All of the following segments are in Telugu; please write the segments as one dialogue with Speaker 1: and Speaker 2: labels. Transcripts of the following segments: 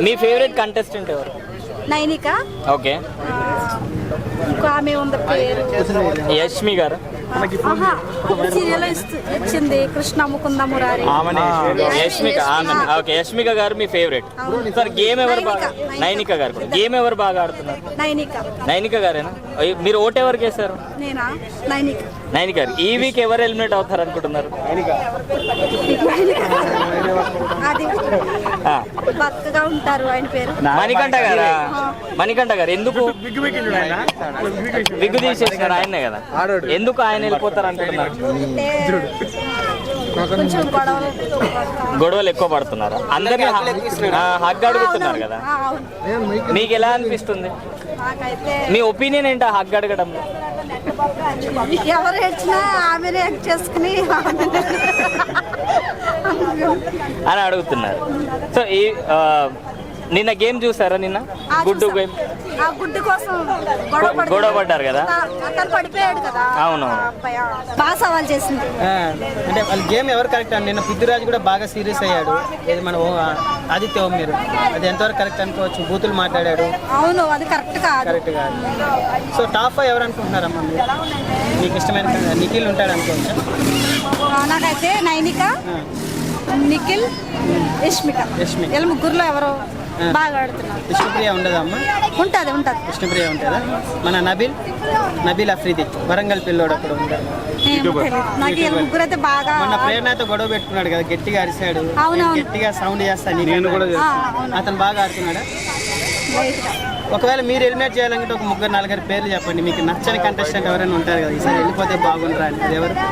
Speaker 1: మీ ఫేవరెట్ కంటెస్టెంట్ ఎవరు?
Speaker 2: నైనిక.
Speaker 1: ఓకే.
Speaker 2: ఇంకో ఆమె ఉంది పేరు
Speaker 1: యష్మి గారు.
Speaker 2: సీరియల్ ఇచ్చింది కృష్ణ ముకుంద మురారి.
Speaker 1: యష్మిక. ఓకే, యష్మిక గారు మీ ఫేవరెట్. సార్ గేమ్ ఎవరు బాగా? నైనిక గారు. గేమ్ ఎవరు బాగా ఆడుతున్నారు?
Speaker 2: నైనిక.
Speaker 1: నైనిక గారేనా? మీరు ఓటు ఎవరికి వేస్తారు?
Speaker 2: నేనా? నైనిక.
Speaker 1: నైనిక గారు. ఈ వీక్ ఎవరు ఎలిమినేట్ అవుతారు అనుకుంటున్నారు?
Speaker 2: అది బక్కగా ఉంటారు, ఆయన పేరు
Speaker 1: మణికంఠ గారా? మణికంఠ గారు. ఎందుకు విగ్గు తీసేసినారు? ఆయనే కదా. ఎందుకు ఆయన వెళ్ళిపోతారు అనుకుంటున్నారు?
Speaker 2: కొంచెం
Speaker 1: గొడవలు ఎక్కువ పడుతున్నారు, అందరినీ హగ్ అడుగుతున్నారు కదా. మీకు ఎలా అనిపిస్తుంది? మీ ఒపీనియన్ ఏంటో హగ్ అడగడంలో?
Speaker 2: ఎవరు వచ్చినా ఆమెనే చేసుకుని
Speaker 1: అని అడుగుతున్నారు. సో ఈ నిన్న గేమ్ చూసారా? నిన్న గుడ్డు గేమ్.
Speaker 2: ఆ గుడ్డు కోసం
Speaker 1: గొడవ పడ్డారు కదా.
Speaker 2: అతను పడిపోయాడు కదా.
Speaker 1: అవును.
Speaker 2: బాగా సవాల్ చేసింది.
Speaker 3: అంటే వాళ్ళ గేమ్ ఎవరు కరెక్ట్ అండి? నిన్న పృథ్వీరాజ్ కూడా బాగా సీరియస్ అయ్యాడు. ఇది మన ఆదిత్య ఓం మీరు అది ఎంతవరకు కరెక్ట్ అనుకోవచ్చు? బూతులు మాట్లాడాడు.
Speaker 2: అవును, అది కరెక్ట్ కాదు.
Speaker 3: కరెక్ట్ కాదు. సో టాప్ 5 ఎవరు అనుకుంటున్నారమ్మా మీరు? మీకు ఇష్టమైన నిఖిల్ ఉంటాడు అనుకోవచ్చా?
Speaker 2: నాకైతే నైనిక, నిఖిల్, యష్మిక. వీళ్ళ ముగ్గురులో ఎవరు బాగా ఆడుతున్నారు?
Speaker 3: విష్ణుప్రియ ఉండదమ్మా?
Speaker 2: ఉంటది.
Speaker 3: విష్ణుప్రియ ఉంటుందా? మన నబీల్ అఫ్రీది వరంగల్ పిల్లోడు అప్పుడు ఉంటాడు.
Speaker 2: నాకు వీళ్ళ ముగ్గురు అయితే బాగా.
Speaker 3: మొన్న ప్రేరణతో గొడవ పెట్టుకున్నాడు కదా, గట్టిగా అరిశాడు, గట్టిగా సౌండ్ చేస్తాను. అతను బాగా ఆడుతున్నాడా? ఒకవేళ మీరు ఎలిమినేట్ చేయాలంటే ఒక 3-4 పేర్లు చెప్పండి. మీకు నచ్చని కంటెస్టెంట్ ఎవరైనా ఉంటారు కదా, ఈసారి వెళ్ళిపోతే బాగుంటారా అని. అది ఎవరు?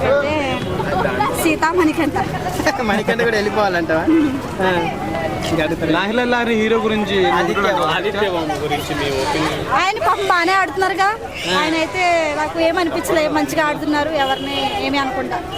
Speaker 2: సీతా, మణికంఠ.
Speaker 3: మణికంఠ కూడా వెళ్ళిపోవాలంటావా?
Speaker 4: హీరో గురించి
Speaker 2: ఆయన పాపం బాగానే ఆడుతున్నారుగా. ఆయన అయితే నాకు ఏమనిపించలేదు, మంచిగా ఆడుతున్నారు. ఎవరిని ఏమి అనుకుంటా.